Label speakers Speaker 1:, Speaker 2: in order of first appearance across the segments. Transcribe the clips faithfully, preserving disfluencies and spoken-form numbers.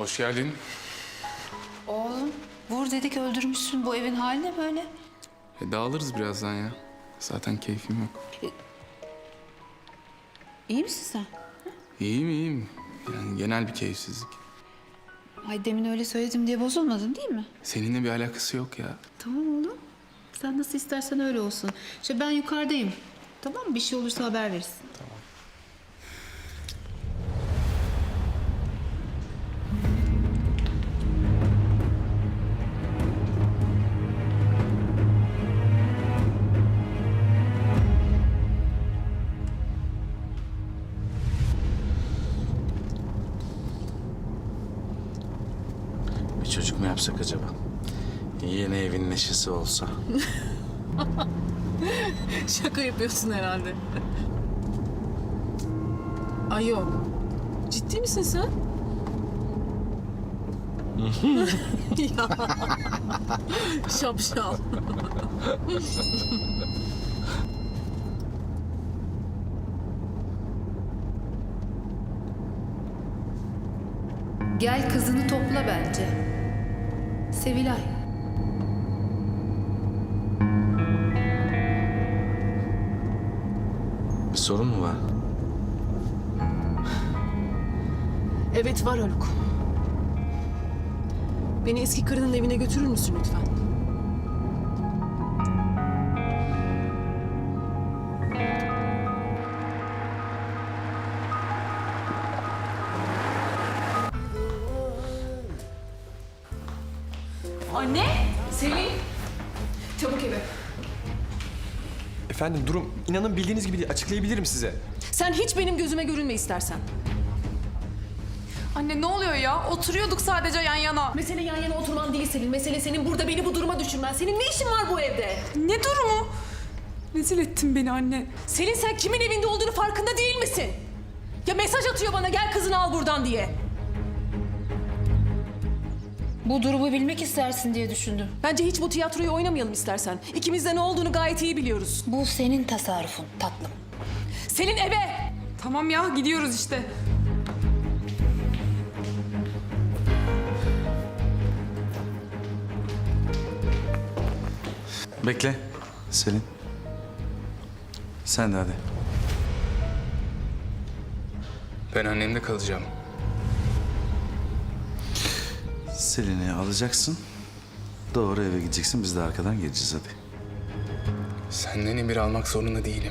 Speaker 1: Hoş geldin.
Speaker 2: Oğlum vur dedik öldürmüşsün. Bu evin hali ne böyle?
Speaker 1: E, dağılırız birazdan ya. Zaten keyfim yok.
Speaker 2: İyi misin sen?
Speaker 1: İyiyim iyiyim. Yani genel bir keyifsizlik.
Speaker 2: Ay demin öyle söyledim diye bozulmadın değil mi?
Speaker 1: Seninle bir alakası yok ya.
Speaker 2: Tamam oğlum. Sen nasıl istersen öyle olsun. İşte ben yukarıdayım. Tamam mı? Bir şey olursa haber verirsin.
Speaker 1: Tamam.
Speaker 3: Bir çocuk mu yapsak acaba? Yeni evin neşesi olsa.
Speaker 4: Şaka yapıyorsun herhalde. Ay yok. Ciddi misin sen? Ya. Şapşal.
Speaker 2: Gel kızını topla bence. Sevilay.
Speaker 3: Bir sorun mu var?
Speaker 4: Evet var Haluk. Beni eski karının evine götürür müsün lütfen? Anne! Selin! Çabuk eve.
Speaker 5: Efendim durum inanın bildiğiniz gibi değil. Açıklayabilirim size.
Speaker 4: Sen hiç benim gözüme görünme istersen.
Speaker 6: Anne ne oluyor ya? Oturuyorduk sadece yan yana.
Speaker 4: Mesele yan yana oturman değil Selin. Mesele senin burada beni bu duruma düşürmen. Senin ne işin var bu evde?
Speaker 6: Ne durumu? Rezil ettin beni anne.
Speaker 4: Selin sen kimin evinde olduğunu farkında değil misin? Ya mesaj atıyor bana gel kızını al buradan diye.
Speaker 2: Bu durumu bilmek istersin diye düşündüm.
Speaker 4: Bence hiç bu tiyatroyu oynamayalım istersen. İkimiz de ne olduğunu gayet iyi biliyoruz.
Speaker 2: Bu senin tasarrufun tatlım.
Speaker 4: Selin eve!
Speaker 6: Tamam ya gidiyoruz işte.
Speaker 3: Bekle Selin. Sen de hadi.
Speaker 1: Ben annemde kalacağım.
Speaker 3: Selin'i alacaksın. Doğru eve gideceksin. Biz de arkadan geleceğiz hadi.
Speaker 1: Senden emir almak zorunda değilim.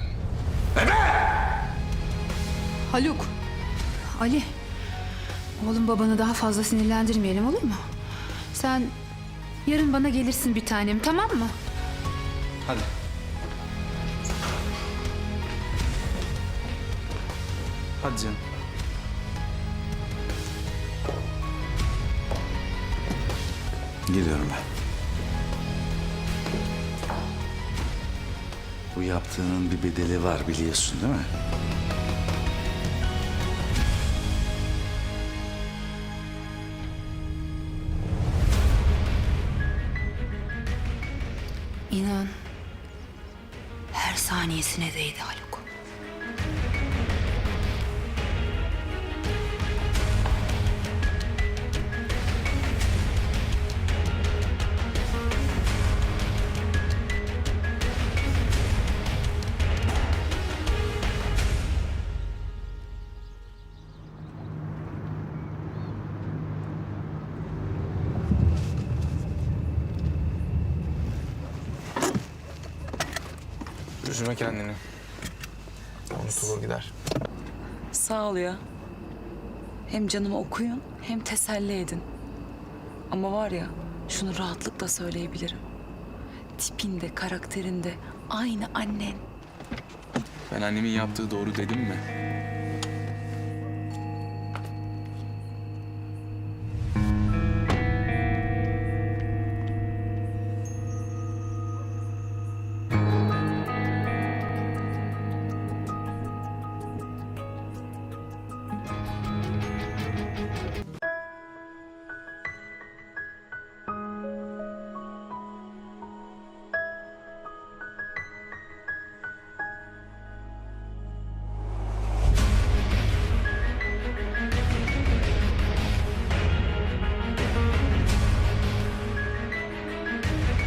Speaker 2: Haluk. Ali. Oğlum babanı daha fazla sinirlendirmeyelim olur mu? Sen yarın bana gelirsin bir tanem tamam mı?
Speaker 3: Hadi. Hadi canım. Geliyorum ben. Bu yaptığının bir bedeli var biliyorsun değil mi?
Speaker 2: İnan her saniyesine değdi Haluk.
Speaker 1: Üzme kendini. Unutulur gider.
Speaker 7: Sağ ol ya. Hem canımı okuyun hem teselli edin. Ama var ya şunu rahatlıkla söyleyebilirim. Tipinde, karakterinde aynı annen.
Speaker 1: Ben annemin yaptığı doğru dedim mi?